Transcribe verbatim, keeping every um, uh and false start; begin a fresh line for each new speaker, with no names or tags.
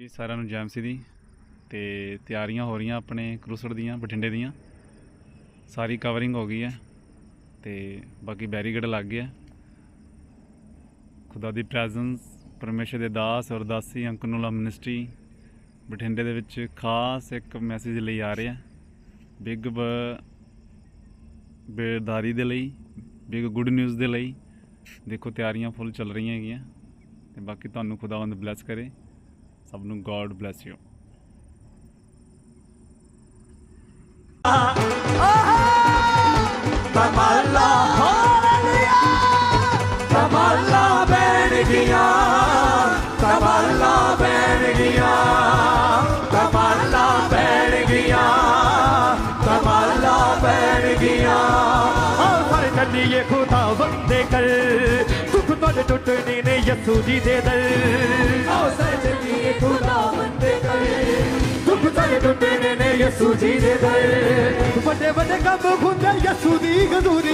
ਜੀ ਸਾਰਿਆਂ ਨੂੰ ਜੈਮ ਸੀ ਦੀ ਤੇ ਤਿਆਰੀਆਂ ਹੋ ਰਹੀਆਂ ਆਪਣੇ ਕਰੂਸੜ ਦੀਆਂ ਬਠਿੰਡੇ ਦੀਆਂ ਸਾਰੀ ਕਵਰਿੰਗ ਹੋ ਗਈ ਹੈ ਤੇ ਬਾਕੀ ਬੈਰੀਕੇਡ ਲੱਗ ਗਿਆ। ਖੁਦਾ ਦੀ ਪ੍ਰੈਜ਼ੈਂਸ ਪਰਮੇਸ਼ਰ ਦੇ ਦਾਸ ਔਰ ਦਾਸੀ ਅੰਕਨੂਲਾ ਮਿਨਿਸਟਰੀ ਬਠਿੰਡੇ ਦੇ ਵਿੱਚ ਖਾਸ ਇੱਕ ਮੈਸੇਜ ਲਈ ਆ ਰਿਹਾ, ਬਿਗ ਬੇਦਾਰੀ ਦੇ ਲਈ, ਬਿਗ ਗੁੱਡ ਨਿਊਜ਼ ਦੇ ਲਈ। ਦੇਖੋ ਤਿਆਰੀਆਂ ਫੁੱਲ ਚੱਲ ਰਹੀਆਂ ਹੈਗੀਆਂ ਤੇ ਬਾਕੀ ਤੁਹਾਨੂੰ ਖੁਦਾਵੰਦ ਬਲੈਸ ਕਰੇ ਸਭ ਨੂੰ। God bless you.
ਕਮਾਲਾ ਹਾਲੇਲੂਇਆ, ਕਮਾਲਾ ਬਣ ਗਿਆ, ਕਮਾਲਾ ਬਣ ਗਿਆ, ਕਮਾਲਾ ਬਣ ਗਿਆ, ਕਮਾਲਾ ਬਣ ਗਿਆ। ਆਓ ਸਾਰੇ ਚੱਲੀਏ ਖੁਦਾਵੰਦ ਦੇ ਘਰ, ਦੁੱਖ ਤੁਹਾਡੇ ਟੁੱਟਣੇ ਨੇ ਯਿਸੂ ਜੀ ਦੇ ਦਰ। ਆਓ ਸਾਰੇ ਚੱਲੀਏ ਖੁਦਾਵੰਦ ਦੇ ਘਰ, ਦੁੱਖ ਤੁਹਾਡੇ ਟੁੱਟਣੇ ਨੇ ਯਿਸੂ ਜੀ ਦੇ ਦਰ। ਵੱਡੇ ਵੱਡੇ ਕੰਮ ਹੁੰਦੇ ਯਿਸੂ ਦੀ ਹਜ਼ੂਰੀ